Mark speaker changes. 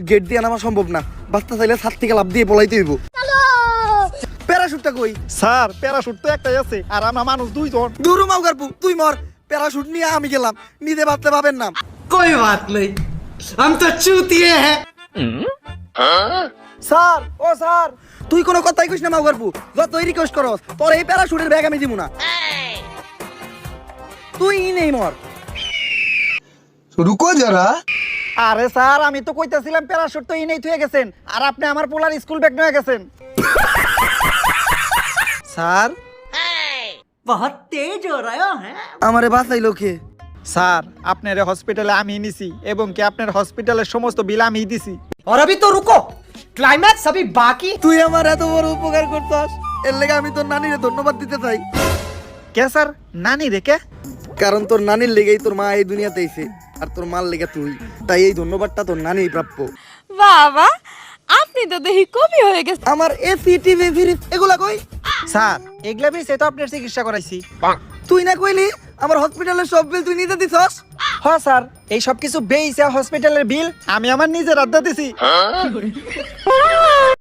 Speaker 1: Gate দিয়ে নামা সম্ভব না, বাচ্চা চাইলে ছাদ থেকে লাফ দিয়ে পলাইতে হইব। প্যারাশুটটা কই?
Speaker 2: স্যার প্যারাশুট তো একটাই আছে আর আমরা মানুষ দুইজন।
Speaker 1: দূরু মাউগারপু তুই মর, প্যারাশুট নিয়ে আমি গেলাম, নিতে বাঁচতে পাবেন না।
Speaker 3: कोई बात नहीं, हम तो चूतिए हैं।
Speaker 1: স্যার ও স্যার, তুই কোনো কথাই কইস না মাউগারপু, যতই রিকোয়েস্ট করস তোর এই প্যারাশুটের ব্যাগ আমি দিব না। তুই নেই মর।
Speaker 4: रुको जरा।
Speaker 2: আরে স্যার আমি তো কইতাছিলাম প্যারাশুট তো ইনেই থুয়ে গেছেন আর আপনি আমার পোলার স্কুল ব্যাগ নিয়ে গেছেন। স্যার
Speaker 3: बहुत तेज हो रहा है।
Speaker 1: আমারে বাঁচাইলো কে?
Speaker 2: স্যার আপনার হসপিটালে আমি নিছি এবং কি আপনার হসপিটালের সমস্ত বিল আমি দিছি।
Speaker 3: और अभी तो रुको, क्लाइमैक्स अभी बाकी।
Speaker 1: তুই আমার এত বড় উপকার করছস, এর লেগে আমি তোর নানিরে ধন্যবাদ দিতে চাই।
Speaker 2: কে স্যার নানি রেখে?
Speaker 1: কারণ তোর নানির লেগেই তোর মা এই দুনিয়াতে আইছে আর তোর মার লেগে তুই, তাই এই ধন্যবাদটা তোর নানিই প্রাপ্য।
Speaker 5: বাবা আপনি তো দেখি কবি হয়ে গেছে।
Speaker 1: আমার এসি টিভি ফ্রিজ এগুলা কই?
Speaker 2: স্যার এগুলা বিল সে তো আপনার চিকিৎসা করাইছি।
Speaker 1: তুই না কইলি আমার হসপিটালের সব বিল তুই নিতে দিছস?
Speaker 2: হ্যাঁ স্যার এই সব কিছু বেইছে হসপিটালের বিল আমি আমার নিজের আড্ডা দিছি।